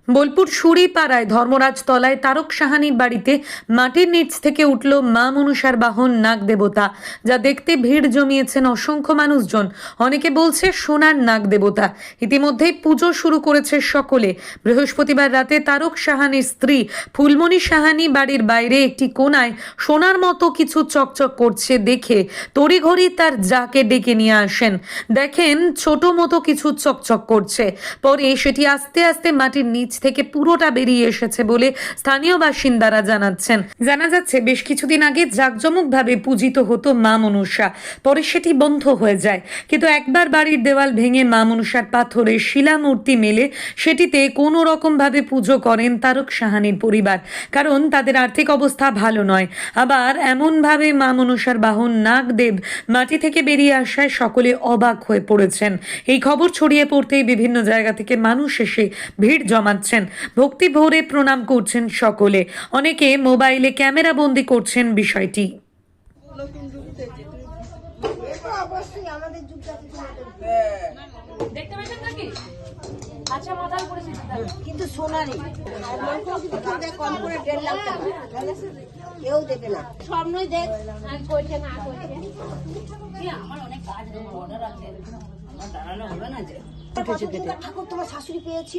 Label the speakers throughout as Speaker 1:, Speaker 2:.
Speaker 1: বোলপুর সুরিপাড়ায় ধর্মরাজ তলায় তারক সাহানির বাড়িতে মাটির নিচ থেকে উঠল মা মনসার বাহন নাগ দেবতা, যা দেখতে ভিড় জমিয়েছেন অসংখ্য মানুষজন। অনেকে বলছে সোনার নাগ দেবতা। ইতিমধ্যেই পুজো শুরু করেছে সকলে। বৃহস্পতিবার রাতে তারক সাহানির স্ত্রী ফুলমণি সাহানি বাড়ির বাইরে একটি কোণায় সোনার মতো কিছু চকচক করছে দেখে তড়িঘড়ি তার যাকে ডেকে নিয়ে আসেন। দেখেন ছোট মতো কিছু চকচক করছে, পরে সেটি আস্তে আস্তে মাটির নিচ থেকে পুরোটা বেরিয়ে এসেছে বলে স্থানীয় বাসিন্দারা জানাচ্ছেন। জানা যাচ্ছে বেশ কিছুদিন আগে জাঁকজমকভাবে পূজিত হতো মা মনসা, পরে সেটি বন্ধ হয়ে যায়। কিন্তু একবার বাড়ির দেওয়াল ভেঙে মা মনসার পাথরের শিলা মূর্তি মেলে সেটিতে কোনো রকম ভাবে পুজো করেন তারক সাহানির পরিবার, কারণ তাদের আর্থিক অবস্থা ভালো নয়। আবার এমনভাবে মা মনসার বাহন নাগদেব মাটি থেকে বেরিয়ে আসায় সকলে অবাক হয়ে পড়েছেন। এই খবর ছড়িয়ে পড়তেই বিভিন্ন জায়গা থেকে মানুষ এসে ভিড় জমাচ্ছেন, ভক্তি ভরে প্রণাম করছেন সকলে। অনেকে মোবাইলে ক্যামেরা বন্দি করছেন বিষয়টি।
Speaker 2: কিন্তু সোনারই কম করে 1.5 লাখ টাকা কেউ দেবে না। স্বপ্নই দেখ করছে না করছে। আমার অনেক কাজ অর্ডার আছে, আমার দাঁড়ানো হবে না যে। ঠাকুর তোমার শাশুড়ি পেয়েছিল।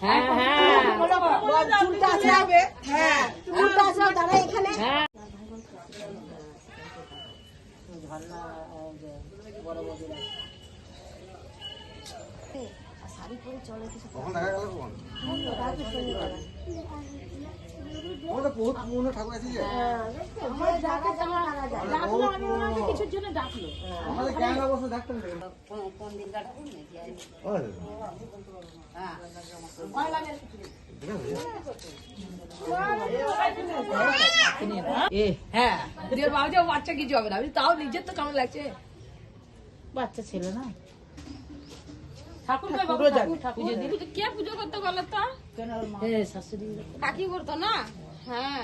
Speaker 2: চুলটা আছে, চুলটা আছে দাঁড়া এখানে। শাড়ি পরে চলে কিছু কিছুর জন্য ডাকলো।
Speaker 3: বাচ্চা কিছু হবে না, তাও নিজের তো কেমন লাগছে।
Speaker 2: বাচ্চা ছিল না,
Speaker 3: ঠাকুর কে পুজো করতে গেল তো
Speaker 2: শাশুড়ি
Speaker 3: কাকি করতো না। হ্যাঁ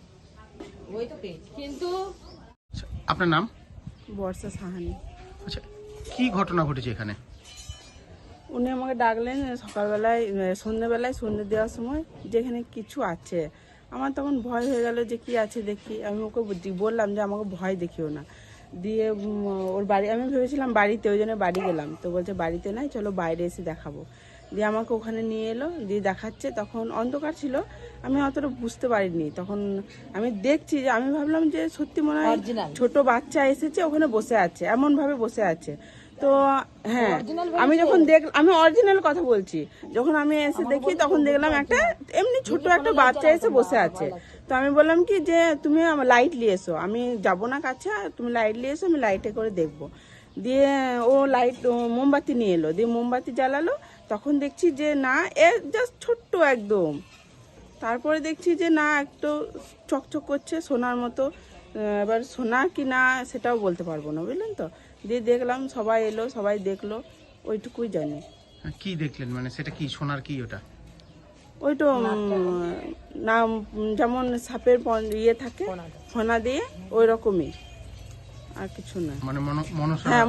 Speaker 3: ওই তো কিন্তু।
Speaker 4: আপনার নাম?
Speaker 5: বর্ষা সাহানি।
Speaker 4: আচ্ছা, কি ঘটনা ঘটেছে এখানে?
Speaker 5: উনি আমাকে ডাকলেন সকালবেলায়, সন্ধ্যেবেলায়, সন্ধ্যে দেওয়ার সময়, যেখানে কিছু আছে। আমার তখন ভয় হয়ে গেল যে কি আছে দেখি। আমি ওকে বললাম যে আমাকে ভয় দেখিও না। দিয়ে ওর বাড়ি, আমি ভেবেছিলাম বাড়িতে, ওই জন্য বাড়ি গেলাম। তো বলছে বাড়িতে নাই, চলো বাইরে এসে দেখাবো। দিয়ে আমাকে ওখানে নিয়ে এলো, দিয়ে দেখাচ্ছে। তখন অন্ধকার ছিল, আমি অতটা বুঝতে পারিনি। তখন আমি দেখছি যে, আমি ভাবলাম যে সত্যি মনে হয় ছোট বাচ্চা এসেছে, ওখানে বসে আছে, এমন ভাবে বসে আছে। তো হ্যাঁ, আমি যখন আমি অরিজিনাল কথা বলছি, যখন আমি এসে দেখি তখন দেখলাম একটা এমনি ছোট একটা বাচ্চা এসে বসে আছে। তো আমি বললাম কি যে তুমি আমার লাইট নিয়ে এসো, আমি যাবো না কাছে, তুমি লাইট নিয়ে এসো, আমি লাইটে করে দেখবো। দিয়ে ও লাইট মোমবাতি নিয়ে এলো, দিয়ে মোমবাতি জ্বালালো। তখন দেখছি যে না, এ জাস্ট ছোট্ট একদম। তারপরে দেখছি যে না, একটু চকচক করছে সোনার মতো। এবার সোনা কি না সেটাও বলতে পারবো না, বুঝলেন তো। দিয়ে দেখলাম, সবাই এলো, সবাই দেখলো, ওইটুকুই জানি।
Speaker 4: কি দেখলেন, মানে সেটা কি সোনার কি ওটা?
Speaker 5: ওইটা না, যেমন সাপের ইয়ে থাকে ফনা দিয়ে, ওই রকমই, আর কিছু না।
Speaker 4: মানে মনসা?
Speaker 5: হ্যাঁ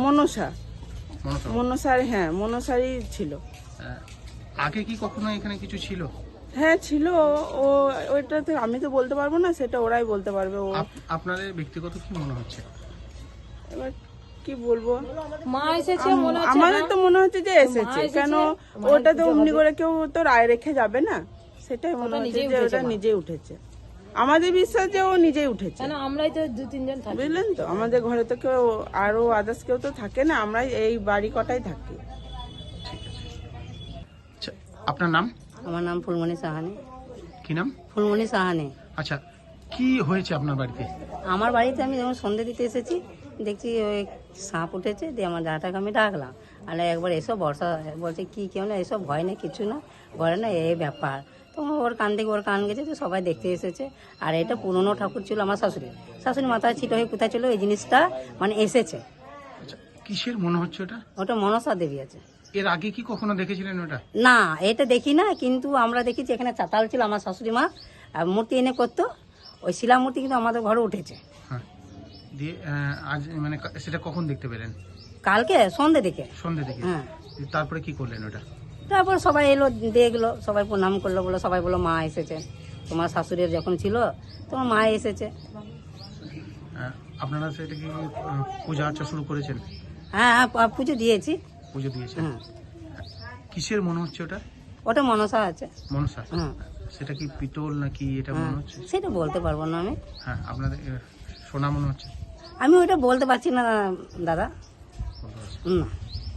Speaker 5: মনসার, হ্যাঁ মনসারই ছিল।
Speaker 4: আগে কি কখনো এখানে কিছু ছিল?
Speaker 5: হ্যাঁ ছিল, ওইটাতে আমি তো বলতে পারবো না, সেটা ওরাই বলতে পারবে।
Speaker 4: আপনাদের ব্যক্তিগত কি মনে হচ্ছে?
Speaker 5: এবার কি বলবো,
Speaker 3: মা এসেছে মনে হচ্ছে।
Speaker 5: আমাদের তো মনে হচ্ছে যে এসেছে, কেন ওটা তো অমনি করে কেউ তো রায় রেখে যাবে না। সেটাই মনে হচ্ছে যে ওটা নিজেই উঠেছে। আমাদের বিশ্বাস যে ও নিজেই উঠেছে,
Speaker 3: আমরাই তো 2-3 জন থাকি,
Speaker 5: বুঝলেন তো। আমাদের ঘরে তো কেউ আরো আদার্স কেউ তো থাকে না, আমরাই এই বাড়ি কটাই থাকি।
Speaker 4: ঠিক আছে। আচ্ছা, আপনার নাম?
Speaker 2: আমার নাম ফুলমণি সাহানি।
Speaker 4: কি নাম?
Speaker 2: ফুলমণি সাহানি।
Speaker 4: আচ্ছা, কি হয়েছে আপনার বাড়িতে?
Speaker 2: আমার বাড়িতে আমি যখন সন্ধ্যে দিতে এসেছি, দেখছি ওই সাপ উঠেছে। দিয়ে আমার দাদাটাকে আমি ডাকলাম, আর একবার এসব বর্ষা বলছে কি কেউ না, এসব ভয় না, কিছু না, ঘরে না, এই ব্যাপার। তো ওর কান থেকে ওর কান গেছে, তো সবাই দেখতে এসেছে। আর এটা পুরনো ঠাকুর ছিল আমার শাশুড়ি মাথায় ছিট হয়ে কোথায় ছিল, এই জিনিসটা মানে এসেছে।
Speaker 4: আচ্ছা, কিসের মনে হচ্ছে ওটা?
Speaker 2: ওটা মনসা দেবী আছে।
Speaker 4: এর আগে কি কখনো দেখেছিলেন ওটা?
Speaker 2: না, এটা দেখি না, কিন্তু আমরা দেখেছি এখানে চাতাল ছিল, আমার শাশুড়ি মা মূর্তি এনে করতো, ওই শিলা মূর্তি কিন্তু আমাদের ঘরে উঠেছে।
Speaker 4: হ্যাঁ, দিয়ে আজ মানে সেটা কখন দেখতে পেলেন?
Speaker 2: কালকে সন্ধ্যে দিকে।
Speaker 4: সন্ধ্যে থেকে?
Speaker 2: হ্যাঁ।
Speaker 4: তারপরে কি করলেন ওটা?
Speaker 2: তারপর সবাই এলো, দেখলো, সবাই প্রণাম করলো, বলো সবাই বলো মা এসেছে, তোমার শাশুড়ির যখন ছিল তোমার মা এসেছে।
Speaker 4: আপনারা সেটা কি পূজা আর্চা শুরু করেছেন?
Speaker 2: হ্যাঁ হ্যাঁ, পুজো দিয়েছি।
Speaker 4: পুজো দিয়েছেন?
Speaker 2: হ্যাঁ,
Speaker 4: কিসের মনে হচ্ছে ওটা?
Speaker 2: ওটা মনসা আছে।
Speaker 4: মনসা?
Speaker 2: হ্যাঁ,
Speaker 4: সেটা কি পিতল নাকি এটা
Speaker 2: হ্যাঁ,
Speaker 4: মনে হচ্ছে?
Speaker 2: সেটা বলতে পারবো না আমি।
Speaker 4: হ্যাঁ, আপনাদের সোনা মনে হচ্ছে?
Speaker 2: আমি ওইটা বলতে পারছি না দাদা।
Speaker 4: বলতে পারছি।
Speaker 2: না।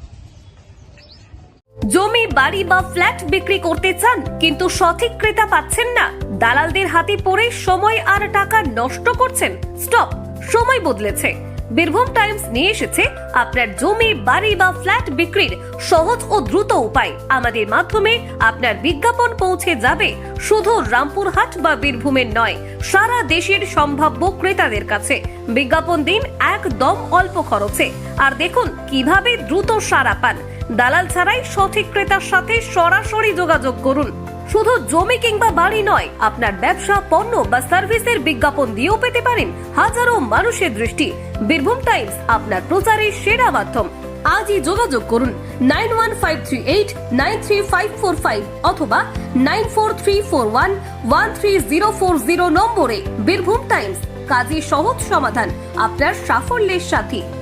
Speaker 6: জমি, বাড়ি বা ফ্ল্যাট বিক্রি করতে চান কিন্তু সঠিক ক্রেতা পাচ্ছেন না? দালালদের হাতে পড়ে সময় আর টাকা নষ্ট করছেন? স্টপ, সময় বদলেছে। বীরভূম টাইমস নিয়ে এসেছে আপনার জমি, বাড়ি বা ফ্ল্যাট বিক্রির সহজ ও দ্রুত উপায়। আমাদের মাধ্যমে আপনার বিজ্ঞাপন পৌঁছে যাবে শুধু রামপুরহাট বা বীরভূমের নয়, সারা দেশের সম্ভাব্য ক্রেতাদের কাছে। বিজ্ঞাপন দিন একদম অল্প খরচে, আর দেখুন কিভাবে দ্রুত সাড়া পান। দালাল ছাড়াই সঠিক ক্রেতার সাথে সরাসরি যোগাযোগ করুন। শুধু জমি কিংবা বাড়ি নয়, আপনার ব্যবসা, পণ্য বা সার্ভিসের বিজ্ঞাপন দিয়েও পেতে পারেন হাজারো মানুষের দৃষ্টি। বীরভূম টাইমস আপনার প্রচারের সেরা মাধ্যম। আজই যোগাযোগ করুন 9153893545 অথবা 9434113040 নম্বরে। বীরভূম টাইমস, কাজী সহজ সমাধান আপনার সাফল্যের সাথী।